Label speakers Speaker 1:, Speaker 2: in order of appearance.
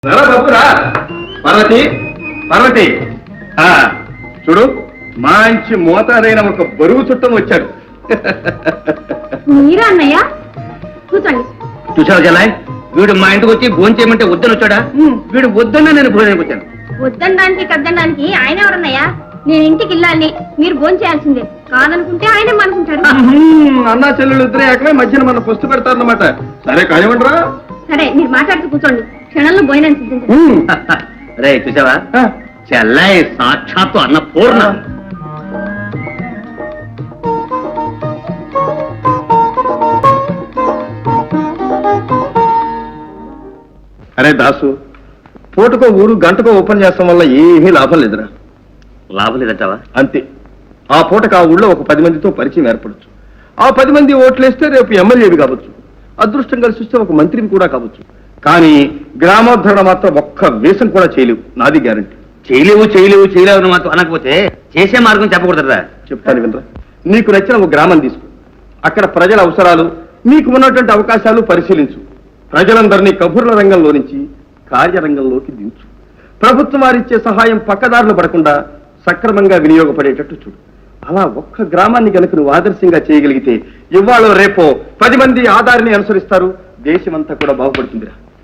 Speaker 1: బాబురా పార్వతి పార్వతి చూడు మంచి మోతాదైన ఒక బరువు చుట్టం వచ్చాడు.
Speaker 2: మీరా అన్నయ్య? కూర్చోండి.
Speaker 3: చూసావు జలాయ్, వీడు మా ఇంటికి వచ్చి భోజనం చేయమంటే వద్దని వచ్చాడా? వీడు వద్దన్నా నేను భోజనానికి వచ్చాను.
Speaker 2: వద్దనడానికి కద్దనడానికి ఆయన ఎవరన్నయ్యా? నేను ఇంటికి వెళ్ళాలి, మీరు భోజనం చేయాల్సిందే. కాదనుకుంటే ఆయనే అనుకుంటాడు.
Speaker 1: అన్నా చెల్లెలు ఇద్దరే ఏకమే మధ్యన మన పుస్తు పెడతారన్నమాట. సరే కానివ్వండిరా.
Speaker 2: సరే మీరు మాట్లాడుతూ కూర్చోండి, క్షణంలో భోజనం సిద్ధించండి.
Speaker 3: రే చూసావా, చెల్లాయి సాక్షాత్తు అన్న పూర్ణ.
Speaker 1: అరే దాసు, పూటకో ఊరు గంటకో ఓపెన్ చేస్తాం వల్ల ఏమీ లాభం లేదురా.
Speaker 3: లాభం లేదంటావా?
Speaker 1: అంతే. ఆ పూటకు ఆ ఊళ్ళో ఒక 10 మందితో పరిచయం ఏర్పడచ్చు. ఆ 10 మంది ఓట్లేస్తే రేపు ఎమ్మెల్యేవి కావచ్చు, అదృష్టం కలిసి వస్తే ఒక మంత్రిని కూడా కావచ్చు. కానీ గ్రామోద్ధరణ మాత్రం ఒక్క వేషం కూడా చేయలేవు, నాది గ్యారంటీ.
Speaker 3: చేయలేవు మాత్రం అనకపోతే చేసే మార్గం చెప్పకూడదురా.
Speaker 1: చెప్తాను వినరా. నీకు నచ్చిన ఒక గ్రామం తీసుకో, అక్కడ ప్రజల అవసరాలు, మీకు ఉన్నటువంటి అవకాశాలు పరిశీలించు. ప్రజలందరినీ కబుర్ల రంగంలో నుంచి కార్యరంగంలోకి దించు. ప్రభుత్వం వారిచ్చే సహాయం పక్కదారులు పడకుండా సక్రమంగా వినియోగపడేటట్టు చూడు. అలా ఒక్క గ్రామాన్ని కనుక నువ్వు ఆదర్శంగా చేయగలిగితే ఇవాళ రేపో 10 మంది ఆధారిని అనుసరిస్తారు, దేశమంతా కూడా బాగుపడుతుందిరా.